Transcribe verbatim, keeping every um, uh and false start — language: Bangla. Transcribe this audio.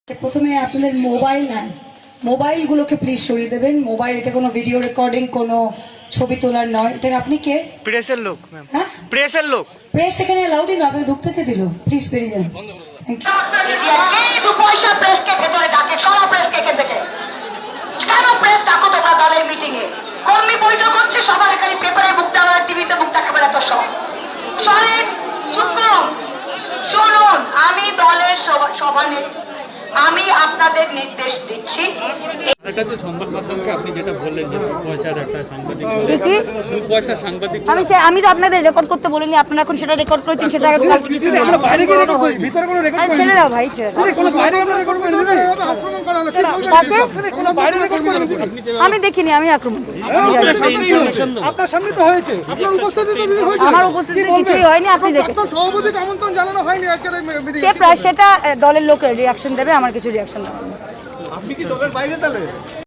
প্রথমে আপনাদের মোবাইল নাই, মোবাইলগুলোকে প্লিজ সরিয়ে দেবেন। মোবাইল এটা কোনো ভিডিও রেকর্ডিং, কোনো ছবি তোলার নয়। এটা আপনি কে? প্রেসের লোক ম্যাম। হ্যাঁ, প্রেসের লোক। প্রেস এখানে অ্যালাউড না, আপনি ঢুকতে কে দিল? প্লিজ বেরিয়ে যান। Thank you. এই দু পয়সা প্রেসকে ভেতরে ডাকে, সরা প্রেসকে এখান থেকে। কেন প্রেস ডাকো তোমরা দলের মিটিং এ? কর্মী বৈঠক হচ্ছে, সবার খালি পেপারে মুখ দেওয়া, টিভিতে মুখ দেখাবে এত সব। সরেন, চুপ করুন, শুনুন। আমি দলের সভানেত্রী, আমি আপনাদের নির্দেশ দিচ্ছি। এটা যে সংবাদ মাধ্যমকে আপনি যেটা বললেন যে পয়সার একটা সাংবাদিক কি পয়সার সাংবাদিক আমি সে- আমি তো আপনাদের রেকর্ড করতে বলিনি, আপনারা এখন সেটা রেকর্ড করেছেন, সেটা কালকে কিছু ছেড়ে দাও ভাই, ছেড়ে দাও। কাকে? আমি দেখিনি, আমি আক্রমণ করি। আপনার সামনে তো হয়েছে, আপনার উপস্থিতিতে যদি হয়েছে। আমার উপস্থিতিতে কিছুই হয়নি, আপনি দেখেন। আপনার সভাপতিকে আমন্ত্রণ জানানো হয়নি আজকের এই মিটিং। সে প্রায় সেটা আহ, দলের লোকের রিয়াকশন দেবে, আমার কিছু রিয়াকশন দেবে না। আপনি কি দলের বাইরে তাহলে?